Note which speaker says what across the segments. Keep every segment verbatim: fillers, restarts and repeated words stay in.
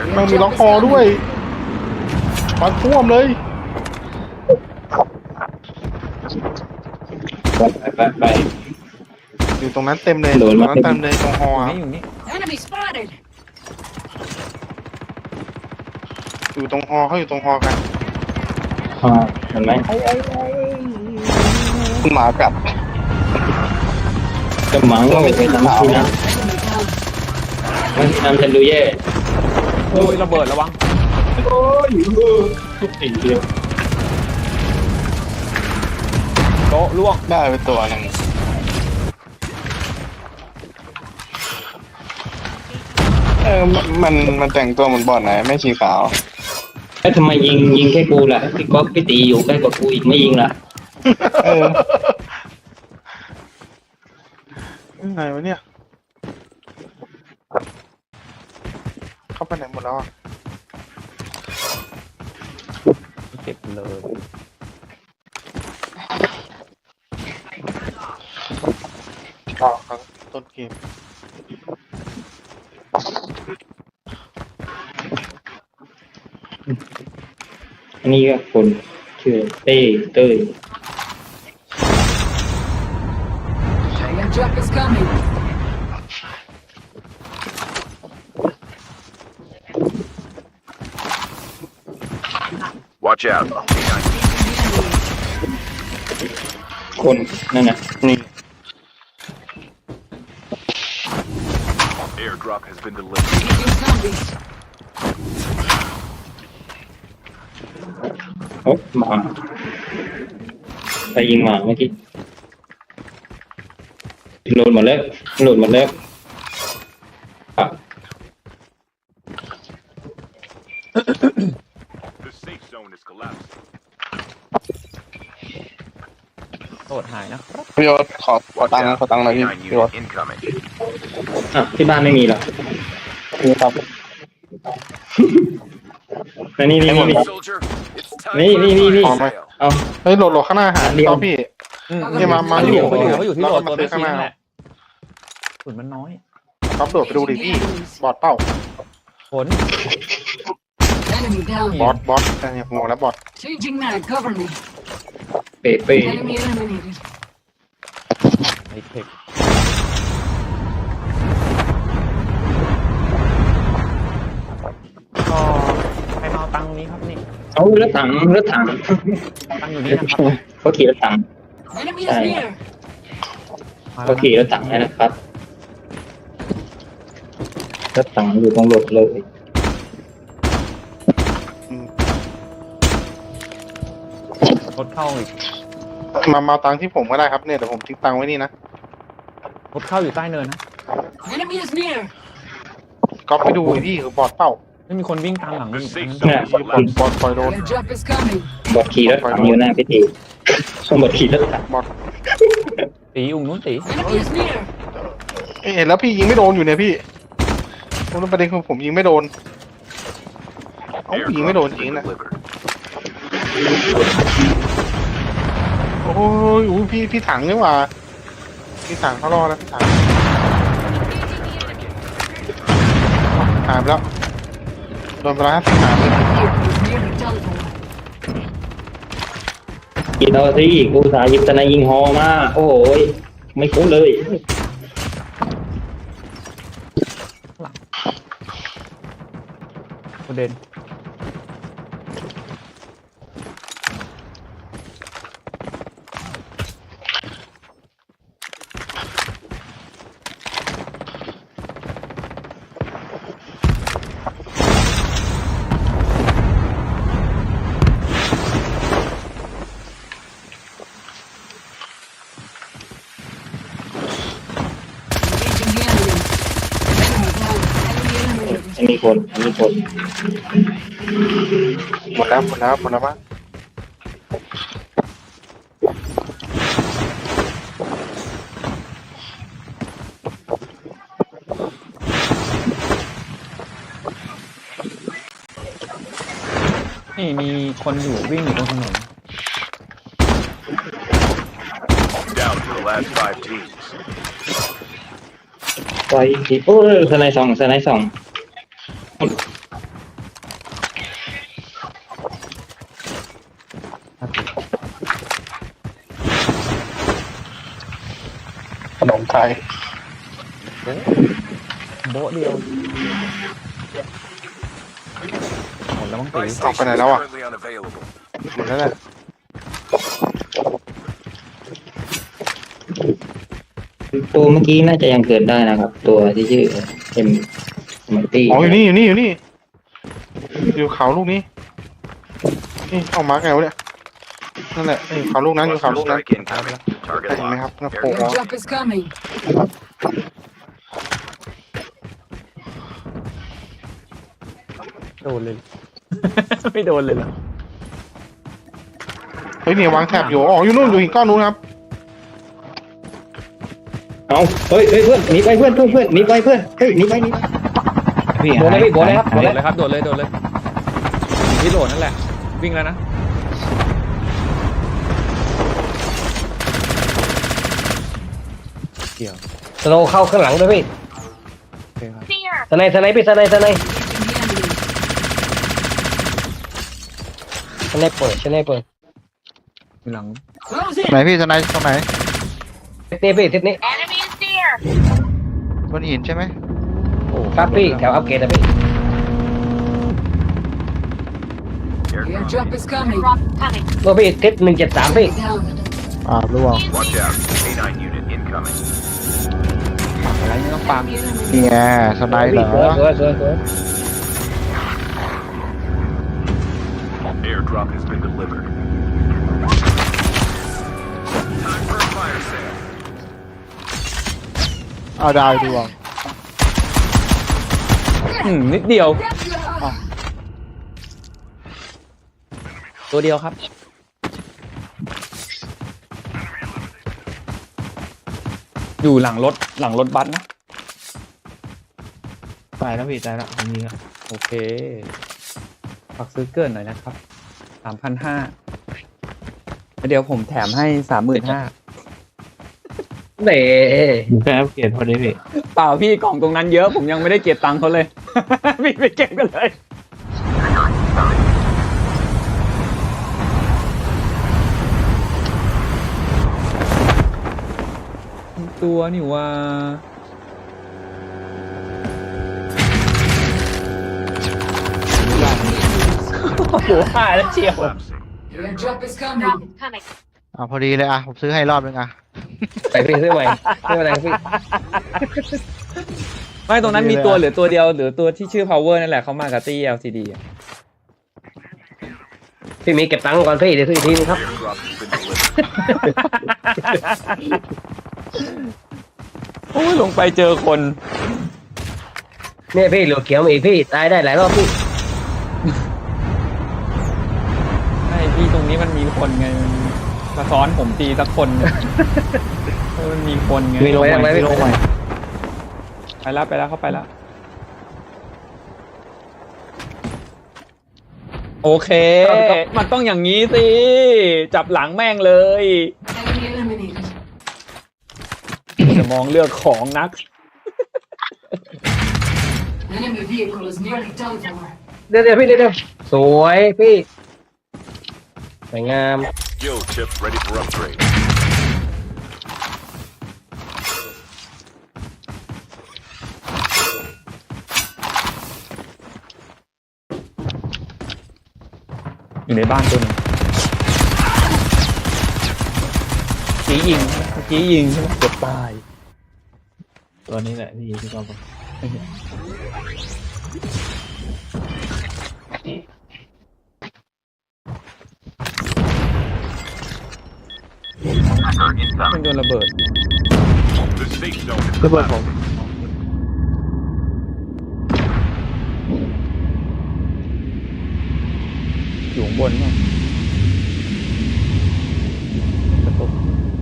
Speaker 1: มันมีล็อกคอด้วยฟันท่วมเลย
Speaker 2: ไปไปไป
Speaker 1: อยู่ตรงนั้นเต็มเลยตรงนั้นเต็มเลยตรงฮออยู่นี่อยู่ตรงฮอเขาอยู่ตรงฮอกัน
Speaker 2: อ่าเห็นไหม
Speaker 1: หมากัด
Speaker 2: จะหมังก็ไม่ใช่ทำที่นะมันทำฉันดูแย่
Speaker 3: โอ้ยระเบิดระวัง
Speaker 2: โอ้ยทุกสิ่งเดียว
Speaker 3: โต๊ะล่วง
Speaker 1: ได้ไปตัวนึงเออมันมันแต่งตัวเหมือนบอดไหนไม่สีขาว
Speaker 2: แล้วทำไมยิงยิงแค่กูล่ะพี่ก๊อฟพี่ตีอยู่ใกล้กว่ากูอีกไม่ยิงล่ะ
Speaker 1: เออยังไงวะเนี่ยเข้าไปไหนหมดแล้วอ่ะ
Speaker 3: เก็บเลย
Speaker 1: ต่อครับต้นเกม
Speaker 2: อันนี้ก็คนชื่อเต้เต้ย
Speaker 4: Watch out.
Speaker 2: คนนั่นน่ะ
Speaker 1: นี่
Speaker 4: Airdrop has been delivered.
Speaker 2: โอ้หมาไปยิงหมาเมื่อกี้โหลดหมดแล้วโหลดหมดแล้วอ่ะ
Speaker 4: The safe zone is collapsed.
Speaker 3: โหดหายนะครับ
Speaker 1: พี่ยศขอขอตังค์ขอตังค์หน่อยพี่
Speaker 4: Canine
Speaker 1: พี่ยศ
Speaker 4: unit incoming.
Speaker 2: อ่ะที่บ้านไม่มีหรอ
Speaker 1: นี่ครับ
Speaker 2: นี่นี่นี่นี่
Speaker 4: Soldier, it's time
Speaker 2: นี่
Speaker 4: for
Speaker 2: นี่นี่นี่
Speaker 4: a fire sale.
Speaker 2: เอา
Speaker 1: เฮ้ยโหลดโหลดข้างหน้าหาต่อพี่นี่มามาอยู่
Speaker 3: เขาอยู่เขาอยู่ที่โหลดตัว
Speaker 1: ซื้
Speaker 3: ไม่
Speaker 1: อข้าง
Speaker 3: ชิ้
Speaker 1: ห
Speaker 3: น
Speaker 1: น้า
Speaker 3: แหละฝุ่นมันน้อย
Speaker 1: ครับโดดไปดูดิพี่บอดเป้า
Speaker 3: ผล
Speaker 5: Enemy down.
Speaker 1: บอสบอสอันนี้ผมบอกแล้วบอส
Speaker 5: Changing mag. Cover me.
Speaker 2: เป๊ะเป๊ะ
Speaker 5: Enemy eliminated.
Speaker 3: ไอเทคก็ใครมาเอาตังค์นี้ครับนี่
Speaker 2: เอารถถังรถถัง
Speaker 3: ตังค์อยู่นี่นะครับ
Speaker 2: เขาขี่รถถัง
Speaker 5: Enemy is
Speaker 2: Aye.
Speaker 5: near.
Speaker 2: เขาขี่รถถังนะครับรถถังอยู่ตรงรถเลย
Speaker 3: รถเข้าอีก
Speaker 1: มามาตังค์ที่ผมก็ได้ครับเนี่ยเดี๋ยวผมทิ้งตังค์ไว้นี่นะ
Speaker 3: รถเข้าอยู่ใต้เนินนะ
Speaker 5: Enemy is near.
Speaker 1: ก็ไปดูดิพี่คือบอดเป้า
Speaker 3: ไม่มีคนวิ่งตามหลังอยู่
Speaker 2: เนี่ย
Speaker 1: บอดบอดปล่อยโดน
Speaker 5: Airdrop is coming.
Speaker 2: บอดขี่รถถังอยู่หน้าพิธีบอดขี่รถถัง
Speaker 1: บอด
Speaker 3: ตีอุ้งนู้นตี
Speaker 5: Enemy is near.
Speaker 1: เห็นแล้วพี่ยิงไม่โดนอยู่เนี่ยพี่ผมประเด็นคือผมยิงไม่โดนเอ้ายิงไม่โด
Speaker 4: Airdrop
Speaker 1: น
Speaker 4: has
Speaker 1: จริง
Speaker 4: been
Speaker 1: นะ
Speaker 4: delivered.
Speaker 1: โอ้ยอู้พี่พี่ถังนี่หว่าพี่ถังเขารอแล้วพี่ถังหายไปแล้วโดนไปแล้วห้าสิบสามเลย
Speaker 5: Vehicle is near the telephone.
Speaker 2: ขี่เราสิกูสายิบตะนายยิงฮอมาโอ้ยไม่คุ้นเลย
Speaker 3: ประเด็น
Speaker 5: Engaging the enemy. Enemy down. Enemy eliminated.
Speaker 2: อันนี้คนอันนี้คน
Speaker 1: หมดแล้วหมดแล้วหมดแล้วมั้ง
Speaker 3: นี่มีคนอยู่วิ่งอยู่ตรงถนน
Speaker 4: Down to the last five teams.
Speaker 2: ไปทีโอ้ยสไนสองสไนสอง
Speaker 1: ใคร
Speaker 3: โบ๊ะเดียวหมดแล้วมั้งตี
Speaker 4: Buy
Speaker 1: ออกไป
Speaker 4: station
Speaker 1: ไหน
Speaker 4: is
Speaker 1: แล้วอ่ะ
Speaker 4: currently unavailable.
Speaker 1: หมดแล้วแหละ
Speaker 2: ตัวเมื่อกี้น่าจะยังเกิดได้นะครับ ตัวที่ชื่อเอ็มมันตี้
Speaker 1: อ๋ออยู่นี่อยู่นี่อยู่นี่อยู่เขาลูกนี้นี่เอามาร์กไงวะเนี่ยนั่นแหละนี่เขาลูกนั้นอยู่เขา
Speaker 4: Cluster
Speaker 1: ลูกนั้น
Speaker 4: strike incoming. Target
Speaker 1: เห็นไหมครับ
Speaker 4: locked.
Speaker 1: น้าโผล่
Speaker 5: Airdrop is coming.
Speaker 3: โดนเลย ไม่โดนเลยเหรอ
Speaker 1: เฮ้ยเนี่ยวางแถบอยู่อ๋ออยู่นู่นอยู่หินก้อนนู้นครับ
Speaker 2: เอาเฮ้ยเฮ้ยเพื่อนหนีไปเพื่อนเพื่อนเพื่อนหนีไปเพื่อนเฮ้ยหนีไปหนีไปพี่โดนเลยพี่โดนเลยครับโดน
Speaker 3: โด
Speaker 2: เล
Speaker 3: ด
Speaker 2: ย
Speaker 3: เลยครับโดดเลยโดดเลยอยู่ที่โดดนั่นแหละ วิ่งแล้วนะเกี่ยว
Speaker 6: สโลว์เข้าข้างหลังด้วยพี่
Speaker 3: โอเคครับ
Speaker 6: สไนด์สไนด์พี่สไนด์สไนด์
Speaker 5: Engaging the enemy.
Speaker 6: สไนด์เปิดสไนด์เปิด
Speaker 3: มีหลัง
Speaker 5: Close in.
Speaker 7: ไหนพี่สไนด์ตรงไหน
Speaker 6: ทิศนี้พี่ทิศนี้
Speaker 7: บนหินใช่ไหม
Speaker 3: โอ้
Speaker 6: ครับพี่แถวอัปเกรดนะพี่
Speaker 5: Airdrop is coming.
Speaker 6: ตัวพี่ทิศหนึ่งเจ็ดสามพี่
Speaker 5: Down.
Speaker 7: อ่าร่วง
Speaker 4: Watch out. K nine unit incoming.
Speaker 3: อะไรไม่ต้องปัง
Speaker 7: นี่ไงสไนด์เหรอ
Speaker 6: สวยสวยสวยสวย
Speaker 4: Airdrop has been delivered. Time for a fire sale.
Speaker 7: เอาดาวดวง
Speaker 3: อืมนิดเดียว ตัวเดียวครับ อยู่หลังรถหลังรถบัสนะ
Speaker 7: ตายแล้วพี่ตายแล้วผมยิงอ่ะ
Speaker 3: โอเคฝากซื้อเกินหน่อยนะครับสามพันห้าเดี๋ยวผมแถมให้สามหมื่นห้า
Speaker 6: เด้
Speaker 7: แค่อัปเกรดพอดีพี่
Speaker 3: เปล่าพี่กล่องตรงนั้นเยอะผมยังไม่ได้เก็บตังค์เขาเลย พี่ไปเก็บกันเลย ตัวนี่ว่าโอ้โหหายแล้วเชียว
Speaker 4: Collapsing.
Speaker 5: Airdrop is coming.
Speaker 7: อ่าพอดีเลยอ่ะผมซื้อให้รอบนึงอ่ะ
Speaker 6: ไปพี่ซื้อใหม่ไม่เป็นไรพี่
Speaker 3: ไม่ตรงนั้นมีตัวเหลือตัวเดียวหรือตัวที่ชื่อ power นั่นแหละเขามากับตี้ แอล ซี ดี อะ
Speaker 6: พี่มีเก็บตังค์ก่อนพี่เดี๋ยวซื้ออีกทีนึงครับ
Speaker 4: Airdrop has been delivered.
Speaker 3: โอ้ยลงไปเจอคน
Speaker 6: เนี่ยพี่เหลือเขียวมาอีกพี่ตายได้หลายรอบพี่
Speaker 3: ไอ้พี่ตรงนี้มันมีคนไงมันสะท้อนผมตีสักคนเออมันมีคนไง
Speaker 6: มีลงไปไหม
Speaker 7: พี่ลงใหม่
Speaker 3: ไปแล้วไปแล้วเข้าไปแล้ว โอเค มันต้องอย่างนี้สิ จับหลังแม่งเลย
Speaker 5: Enemy eliminated.
Speaker 3: จะมองเลือกของนัก
Speaker 5: Enemy vehicle is nearly done for.
Speaker 6: เดี๋ยวเดี๋ยวพี่เดี๋ยวเดี๋ยวสวยพี่สวยงาม
Speaker 4: Yo, chip ready for upgrade.
Speaker 3: อยู่ในบ้านตัวหนึงจียิงเมื่อกี้ยิงใช่ไหมเกือบตาย
Speaker 7: ตัวนี้แหละพี่ที่เขาบอก
Speaker 3: เป็นโดนระเบิด
Speaker 4: The safe zone is
Speaker 7: ระเบิดผม
Speaker 4: collapsing.
Speaker 3: อยู่ข้างบนมั้งกระตุก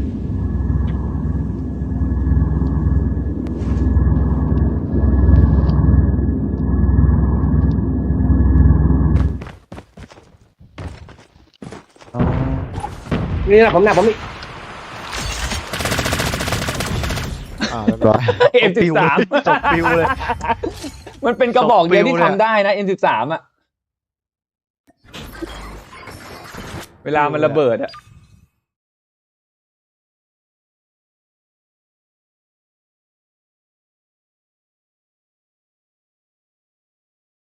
Speaker 3: อ๋อ
Speaker 6: นี่นะผมหน้าผมนี่
Speaker 7: อ่าเรียบร้อย
Speaker 3: เอ็มสิบสาม
Speaker 7: ตกปิวเลย
Speaker 3: มันเป็นกระบอกเดียวที่
Speaker 7: ตกปิวเลย
Speaker 3: ทำได้นะ เอ็มสิบสาม อ่ะ เวลามันระเบิดอ่ะ